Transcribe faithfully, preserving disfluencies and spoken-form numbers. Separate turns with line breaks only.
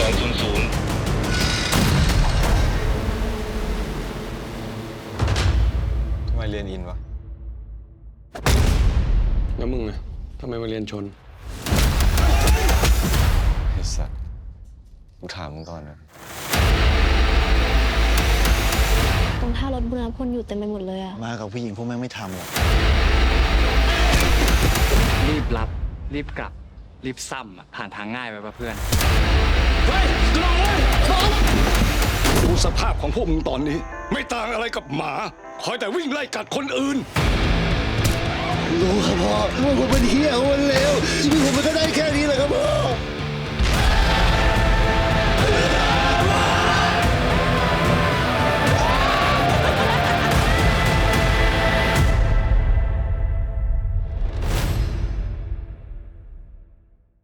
องศูนย์ศูนย์
ทำไมเรียนอินวะ
แล้วมึงอะทำไมมาเรียนชน
ไอ้สัตว์กูถามมึงก่อนนะ
ตรงท่ารถบุรณพลอยู่เต็มไปหมดเลยอะ
มากับผู้หญิงพวกแม่งไม่ทำหรอก
รีบรับ รีบกลับ รีบซ้ำอ่ะผ่านทางง่ายไปป่ะเพื่อน
เฮ้ยกระโดดเลยดูสภาพของพวกมึงตอนนี้ ไม่ต่างอะไรกับหมา คอยแต่วิ่งไล่กัดคนอื่น
รู้ครับพ่อว่าผมเป็นเฮียคนเลวชีวิตผมมันก็ได้แค่นี้แหละ